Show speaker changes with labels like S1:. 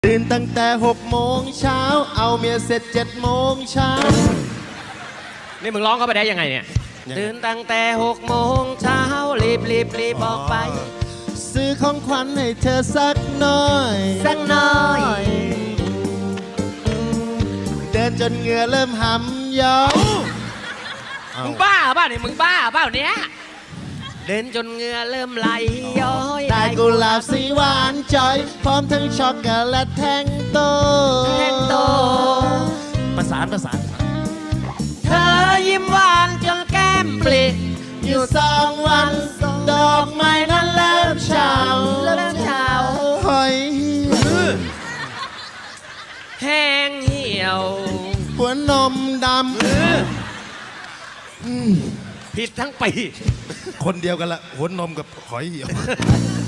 S1: ตื่นตั้งแต่6 โมงเช้าเอาเมียเสร็จ7 โมงเช้า
S2: นี่มึงร้องเข้าไปได้ยังไงเนี่ยตื่นตั้งแต่6 โมงเช้ารีบออกไป
S1: ซื้อของขวัญให้เธอสักหน่อยเดินจนเหงื่อเริ่มหำย้อย
S2: มึงบ้าเปล่าเนี่ยมึงบ้าเปล่าเนี่ยเดินจนเหงื่อเริ่มไหลย้อย
S1: ได้กุหลาบสีหวานจอยพร้อมทั้งช็อกโกแลตแท่งโตประสาน
S2: เธอยิ้มหวานจนแก้มปลิ
S1: อยู่2 วันดอกไม้นั้นเริ่มเฉาหอย
S2: แห้งเหี่ยว
S1: หัวนมด
S2: ผิดทั้งปี
S1: คนเดียวกันละหัวนมกับหอยเหี่ยว